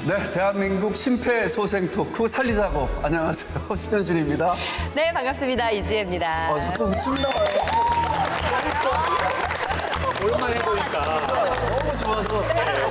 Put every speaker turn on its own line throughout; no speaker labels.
네, 대한민국 심폐소생 토크 살리자고. 안녕하세요, 신현준입니다.
네, 반갑습니다. 이지혜입니다.
자꾸 웃음 나와요.
오랜만에 해보니까.
너무 좋아서.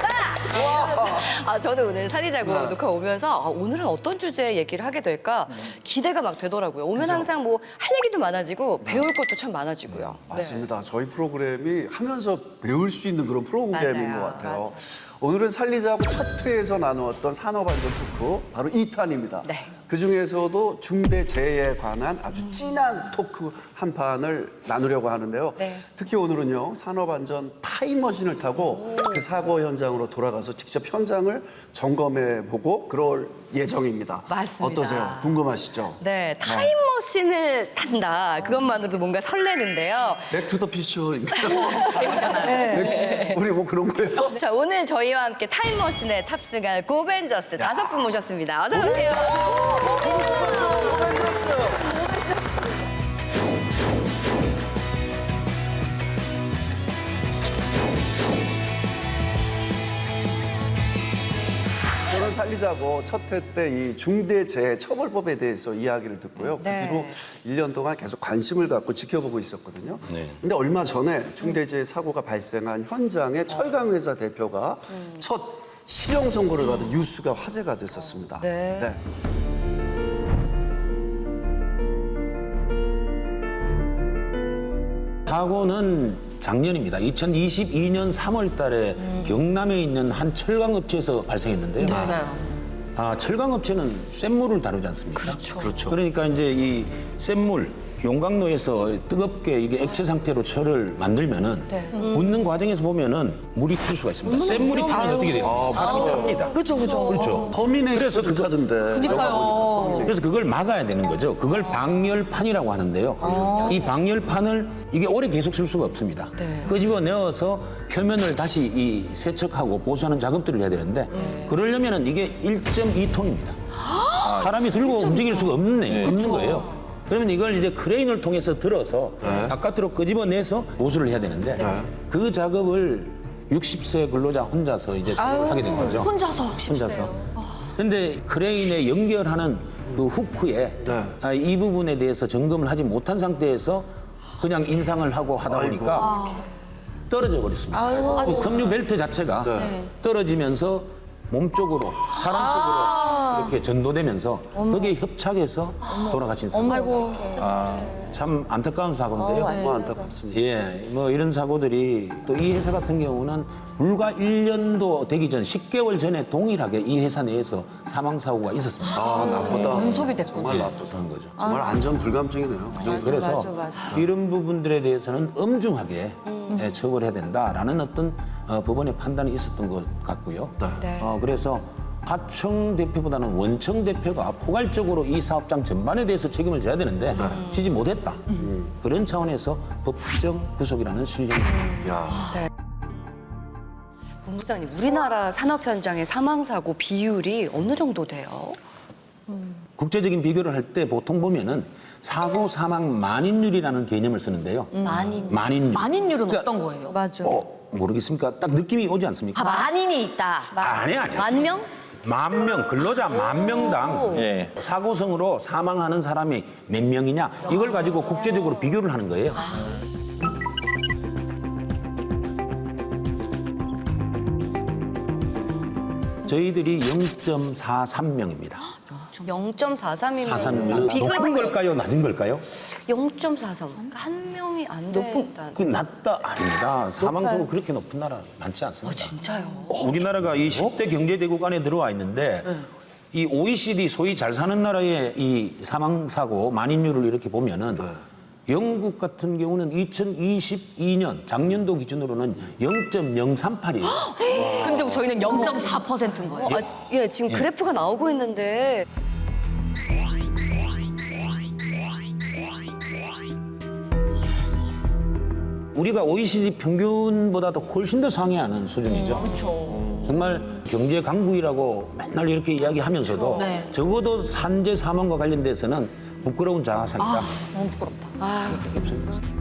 저는 오늘 살리자고 녹화 오면서 오늘은 어떤 주제 얘기를 하게 될까 기대가 막 되더라고요. 오면 항상 뭐 할 얘기도 많아지고 배울 것도 참 많아지고요.
맞습니다. 저희 프로그램이 하면서 배울 수 있는 그런 프로그램인
맞아요.
것 같아요. 오늘은 살리자고 첫 회에서 나누었던 산업안전 토크, 바로 2탄입니다.
네.
그중에서도 중대재해에 관한 아주 진한 토크 한 판을 나누려고 하는데요.
네.
특히 오늘은요, 산업안전 타임머신을 타고 그 사고 현장으로 돌아가서 직접 현장을 점검해보고 그럴 예정입니다.
맞습니다.
어떠세요? 궁금하시죠?
네, 타임머신을 탄다. 그것만으로도 뭔가 설레는데요.
백투더 퓨처인가요?
재밌잖아요.
우리 뭐 그런 거예요?
자, 오늘 저희와 함께 타임머신에 탑승할 고벤져스 5분 모셨습니다. 어서 오세요.
저는 살리자고 첫 회 때 이 중대재해처벌법에 대해서 이야기를 듣고요.
네.
그 뒤로 1년 동안 계속 관심을 갖고 지켜보고 있었거든요.
네.
근데 얼마 전에 중대재해 사고가 발생한 현장에 철강회사 대표가 첫 실형 선고를 받은 뉴스가 화제가 됐었습니다.
네.
사고는 작년입니다. 2022년 3월 달에 경남에 있는 한 철강업체에서 발생했는데요.
맞아요.
철강업체는 쇳물을 다루지 않습니까?
그렇죠.
그러니까 이제 이 쇳물, 용광로에서 뜨겁게 이게 액체 상태로 철을 만들면은 붓는 과정에서 보면은 물이 튈 수가 있습니다. 쇳물이 타면 어떻게 돼요? 사람이 탑니다. 그렇죠.
터미네이터
그래서
하던데.
그래서 그걸 막아야 되는 거죠. 그걸 방열판이라고 하는데요. 이 방열판을 이게 오래 계속 쓸 수가 없습니다. 끄집어 내어서 표면을 다시 이 세척하고 보수하는 작업들을 해야 되는데 그러려면은 이게 1.2톤입니다. 사람이 들고 움직일 수가 없는 거예요. 그러면 이걸 이제 크레인을 통해서 들어서 바깥으로 끄집어 내서 보수를 해야 되는데 그 작업을 60세 근로자 혼자서 이제 작업을 하게 된 거죠. 혼자서. 근데 크레인에 연결하는 그 후크에 이 부분에 대해서 점검을 하지 못한 상태에서 그냥 인상을 하고 하다 보니까 떨어져 버렸습니다. 그 섬유 벨트 자체가 떨어지면서 몸 쪽으로, 사람 쪽으로 이렇게 전도되면서 거기에 협착해서 돌아가신 사고. 참 안타까운 사고인데요.
너무 안타깝습니다.
예, 뭐 이런 사고들이 또 이 회사 같은 경우는 불과 1년도 되기 전 10개월 전에 동일하게 이 회사 내에서 사망 사고가 있었습니다.
나쁘다.
연속이 됐군요.
정말 나쁘다.
그런 거죠.
정말 안전 불감증이네요.
그래서 이런 부분들에 대해서는 엄중하게 처벌해야 된다라는 어떤 법원의 판단이 있었던 것 같고요.
네.
그래서 하청 대표보다는 원청 대표가 포괄적으로 이 사업장 전반에 대해서 책임을 져야 되는데 지지 못했다. 그런 차원에서 법정 구속이라는 실력이 있습니다.
야.
본부장님, 우리나라 산업 현장의 사망 사고 비율이 어느 정도 돼요?
국제적인 비교를 할 때 보통 보면은 사고 사망 만인율이라는 개념을 쓰는데요. 만인율.
만인율은
그러니까
어떤 거예요?
맞아.
모르겠습니까? 딱 느낌이 오지 않습니까?
만인이 있다.
아니야.
만 명?
만 명, 근로자 만 명당
예.
사고성으로 사망하는 사람이 몇 명이냐 이걸 가지고 국제적으로 비교를 하는 거예요. 저희들이 0.43명입니다.
0.43이면
43명은 높은 걸까요? 낮은 걸까요?
0.43. 그러니까 한 명이 안 된다.
그 낮다 아닙니다. 사망수가 그렇게 높은 나라 많지 않습니다.
진짜요?
우리나라가 이 10대 경제대국 안에 들어와 있는데 이 OECD 소위 잘 사는 나라의 이 사망사고 만인율을 이렇게 보면은 영국 같은 경우는 2022년 작년도 기준으로는 0.038이에요.
근데 저희는 0.4%인 거예요. 예, 지금 그래프가 나오고 있는데.
우리가 OECD 평균보다도 훨씬 더 상회하는 수준이죠.
그렇죠.
정말 경제 강국이라고 맨날 이렇게 이야기하면서도
네.
적어도 산재 사망과 관련돼서는 부끄러운 자아상이다.
너무 부끄럽다.
없습니다.